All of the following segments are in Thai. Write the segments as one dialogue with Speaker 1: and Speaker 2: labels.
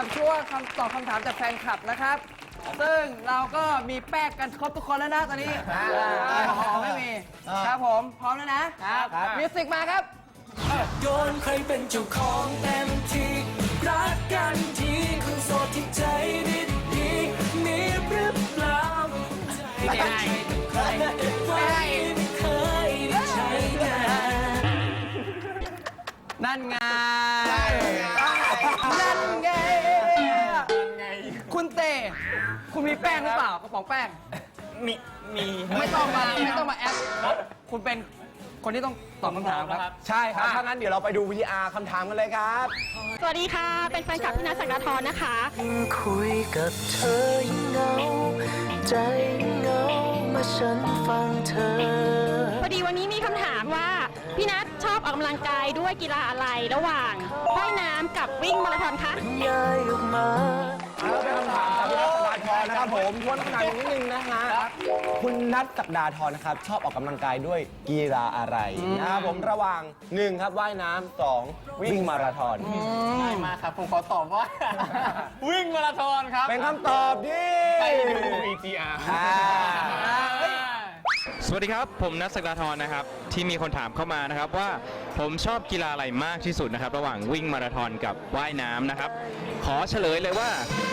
Speaker 1: กับช่วงคำตอบคำถามจากแฟนคลับนะครับ ซึ่งเราก็มีแป้งกันครบทุกคนแล้วนะตอนนี้แอลกอฮอล์ไม่มีครับผมพร้อมแล้วนะครับมิวสิกมาครับ
Speaker 2: โยนใครเป็นเจ้าของเต็มที่รักกันทีคนโสดที่ใจดีๆมีหรือเปล่าไม่ได้ใครไม่เคยได้ใช้งาน
Speaker 1: นั่นไงนั่นไงคุณเต้คุณมีแป้งหรือเปล่ากระป๋องแป้ง
Speaker 3: มี
Speaker 1: ไม่ต้องมาแอปคุณเป็นคนที่ต้องตอบคำถามครับ
Speaker 4: ใช่ครับ ถ้างั้นเดี๋ยวเราไปดู VR คำถามกันเลยครับ
Speaker 5: สวัสดีค่ะ เป็นแฟนคลับพี่นัท ศักดาธรนะคะ
Speaker 2: คุยกับเธอยิ่งเหงาใจเหงาเมื่อฉันฟังเธอ
Speaker 5: พอดีวันนี้มีคำถามว่า พี่นัทชอบออกกำลังกายด้วยกีฬาอะไรระหว่างว่ายน้ำกับวิ่งมาราธอนคะ
Speaker 2: ย้ายออกมา
Speaker 4: แล้วเป็นคำถามจากพี่นัทศักดาธรนะครับผมทวนคำถามอีกนิดนึงนะฮะคุณนัทศักดาธรนะครับชอบออกกำลังกายด้วยกีฬาอะไรนะครับผมระหว่าง1ครับว่ายน้ำ2วิ่งมาราธอน
Speaker 3: ง่ายมากครับ ผมขอตอบว่า วิ่งมาราธอนครับ
Speaker 4: เป็นคำตอบที่
Speaker 3: ไปดู VTR
Speaker 4: อ่า
Speaker 6: สวัสดีครับ ผมนัท ศักดาธรนะครับที่มีคนถามเข้ามานะครับว่าผมชอบกีฬาอะไรมากที่สุดนะครับระหว่างวิ่งมาราธอนกับว่ายน้ำนะครับขอเฉลยเลยว่า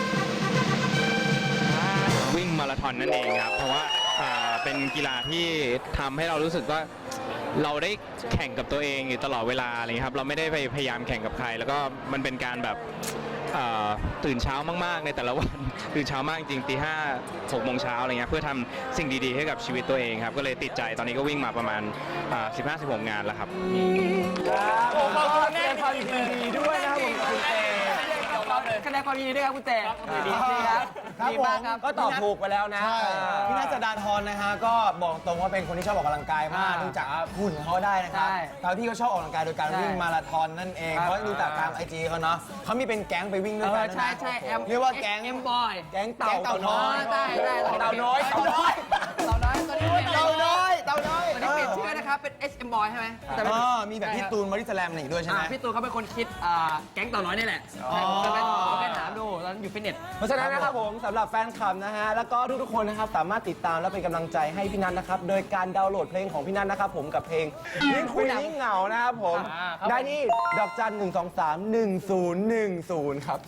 Speaker 6: วิ่งมาราธอนนั่นเองครับเพราะว่าเป็นกีฬาที่ทำให้เรารู้สึกว่าเราได้แข่งกับตัวเองอยู่ตลอดเวลาอะไรเงี้ยครับเราไม่ได้ไปพยายามแข่งกับใคร แล้วก็มันเป็นการแบบตื่นเช้ามากๆในแต่ละวัน ตื่นเช้ามากจริงตีห้า6 โมงเช้าอะไรเงี้ยเพื่อทำสิ่งดีๆให้กับชีวิตตัวเองครับก็เลยติดใจตอนนี้ก็วิ่งมาประมาณ 15-16 งานแล้วครับ
Speaker 4: ผมขอบคุณแสดงความยินดีด้วยนะครับผมคุณเต้
Speaker 1: คะแนนความยินดีด้วยครับคุณเต้ดีครับดีมากครับ
Speaker 4: ก็ตอบถูกไปแล้วนะ
Speaker 7: พี่นัท ศักดาธรนะฮะก็บอกตรงว่าเป็นคนที่ชอบออกกำลังกายมากดูจากหุ่นของเขาได้นะครับ
Speaker 1: ใช่
Speaker 7: แล้วที่เขาชอบออกกำลังกายโดยการ
Speaker 1: ใช่
Speaker 7: วิ่งมาราธอนนั่นเอง
Speaker 1: ครับ
Speaker 7: เพราะดูจากตามไอจีเขาเนาะเขามีเป็นแก๊งไปวิ่งด้วยกัน
Speaker 1: ใช่ใช่
Speaker 7: เรียกว่าแก๊ง
Speaker 1: เอ็มบอย
Speaker 7: แก๊งเต่าน้อย
Speaker 1: ได้เต่าน้อยตัวนี้
Speaker 7: เต่าน้อย
Speaker 1: ตอนนี้เปลี่ยนชื่อนะครับเป็น SM Boy ใช่ไหมแต่เป็น
Speaker 7: มีแบบพี่ตูนบอดี้สแลมอีกด้วยใช่ไหม
Speaker 1: พี่ตูนเขาเป็นคนคิดแก๊งเต่าน้อยนี่แหละจะไปถามดูตอนอยู่ฟิตเนส
Speaker 4: เพราะฉะนั้นนะครับผมสำหรับแฟนคลับนะฮะแล้วก็ทุกๆคนนะครับสามารถติดตามและเป็นกำลังใจให้พี่นัทนะครับโดยการดาวน์โหลดเพลงของพี่นัทนะครับผมกับเพลงยิ่งคุยยิ่งเหงานะครับผมได้นี่ดอกจัน 123 1010 ครับ